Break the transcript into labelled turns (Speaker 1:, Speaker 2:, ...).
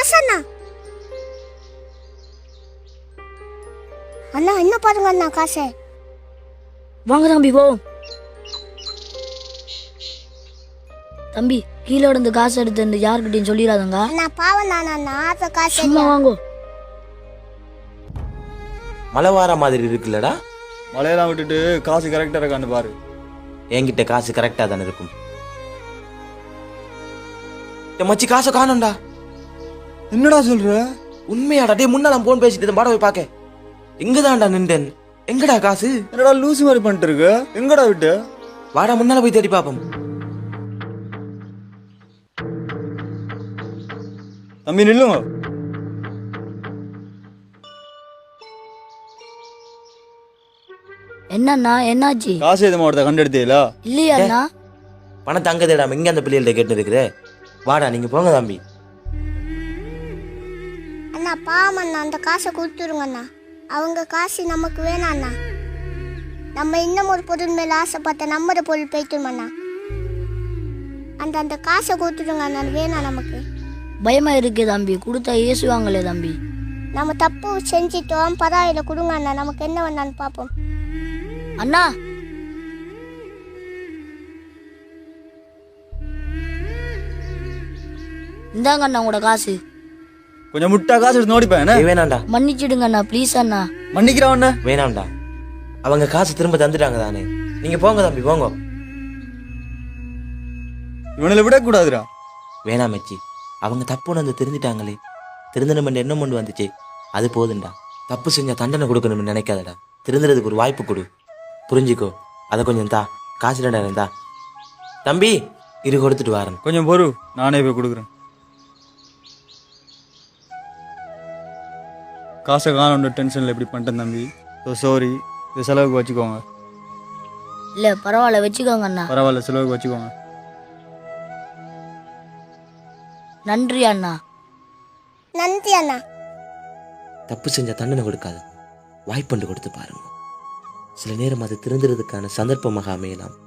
Speaker 1: காசு அண்ணா. அண்ணா என்ன பாருங்க அண்ணா காசு.
Speaker 2: வாங்க தம்பி போவோம். தம்பி கீழே இருந்து காசு எடுத்து யாருக்கிட்டையும் சொல்லிடாதங்க.
Speaker 1: அண்ணா பாவம் நான் அண்ணா ஆசை காசு.
Speaker 2: சும்மா வாங்கோ.
Speaker 3: மழை வார மாதிரி இருக்குல்லடா.
Speaker 4: மழையெல்லாம் விட்டுட்டு காசு கரெக்டாக இருக்கான்னு பாரு.
Speaker 3: என்கிட்ட காசு கரெக்டா தானே இருக்கும். மச்சி காசை காணோம்டா.
Speaker 4: என்னடா சொல்ற?
Speaker 3: உண்மையாடா? டே முன்னால போன் பேசிட்டு பாட போய் பாக்க. எங்கதான்டா நின்றேன். எங்கடா காசு?
Speaker 4: என்னடா லூசு மாதிரி பண்ணிட்டு இருக்க? எங்கடா விட்டு?
Speaker 3: வாடா முன்னால போய் தேடி பாப்போம்.
Speaker 4: தம்பி நில்லுங்க.
Speaker 2: என்னண்ணா என்னாச்சு?
Speaker 4: காசு எது மாவட்டத்தை கண்டெடுத்தீங்களா?
Speaker 2: இல்லையா அண்ணா?
Speaker 3: பணத்தை அங்க தேடாம இங்க அந்த பிள்ளைகள்ட்ட கேட்டு இருக்குதே. வாடா நீங்க போங்க தம்பி.
Speaker 1: அண்ணா பாவம் அண்ணா அந்த காசை கொடுத்துருங்க அண்ணா. அவங்க காசு நமக்கு வேணாம் அண்ணா. நம்ம இன்னும் ஒரு பொருள் மேல ஆசைப்பட்ட நம்ம பொருள் போய்த்துரும் அண்ணா. அந்த காசை கொடுத்துருங்க அண்ணா. வேணாம் நமக்கு.
Speaker 2: பயமா இருக்கு தம்பி. கொடுத்தா ஏசுவாங்களே தம்பி.
Speaker 1: நம்ம தப்பு செஞ்சிட்டோம், பரவாயில்ல கொடுங்க அண்ணா. நமக்கு என்ன வேணான்னு பார்ப்போம்.
Speaker 2: அண்ணா இந்தாங்க அண்ணா உங்களோட காசு.
Speaker 4: கொஞ்சம் முட்டா காசு எடுத்து நோடிப்பேன்.
Speaker 3: வேணாம்டா.
Speaker 2: மன்னிச்சிடுங்க அண்ணா ப்ளீஸ் அண்ணா.
Speaker 4: மன்னிக்கிறவண்ண
Speaker 3: வேணாம்டா. அவங்க காசு திரும்ப தந்துட்டாங்க தானே. நீங்க போங்க தம்பி போங்க.
Speaker 4: இவனில் விடக்கூடாதுடா.
Speaker 3: வேணாம் மச்சி. அவங்க தப்பு வந்து திருந்திட்டாங்களே. திருந்தணும் என்ன கொண்டு வந்துச்சு அது போதுண்டா. தப்பு செஞ்சா தண்டனை கொடுக்கணும்னு நினைக்காதடா. திருந்துறதுக்கு ஒரு வாய்ப்பு கொடு. புரிஞ்சுக்கோ. அதை கொஞ்சம் தா. காசு 2000 தா. தம்பி இரு கொடுத்துட்டு வரேன்.
Speaker 4: கொஞ்சம் பொறு, நானே போய் கொடுக்குறேன். காசை காணோன்ற டென்ஷனில் எப்படி பண்ணிட்டேன் தம்பி. So sorry. இது செலவுக்கு வச்சுக்கோங்க.
Speaker 2: இல்லை பரவாயில்ல வச்சுக்கோங்க அண்ணா.
Speaker 4: பரவாயில்ல செலவுக்கு வச்சுக்கோங்க.
Speaker 2: நன்றி அண்ணா.
Speaker 1: நன்றி அண்ணா.
Speaker 3: தப்பு செஞ்சா தண்டனை கொடுக்காது. வாய்ப்பண்டு கொடுத்து பாருங்க. சில நேரம் அது திருந்துறதுக்கான சந்தர்ப்பமாக அமையலாம்.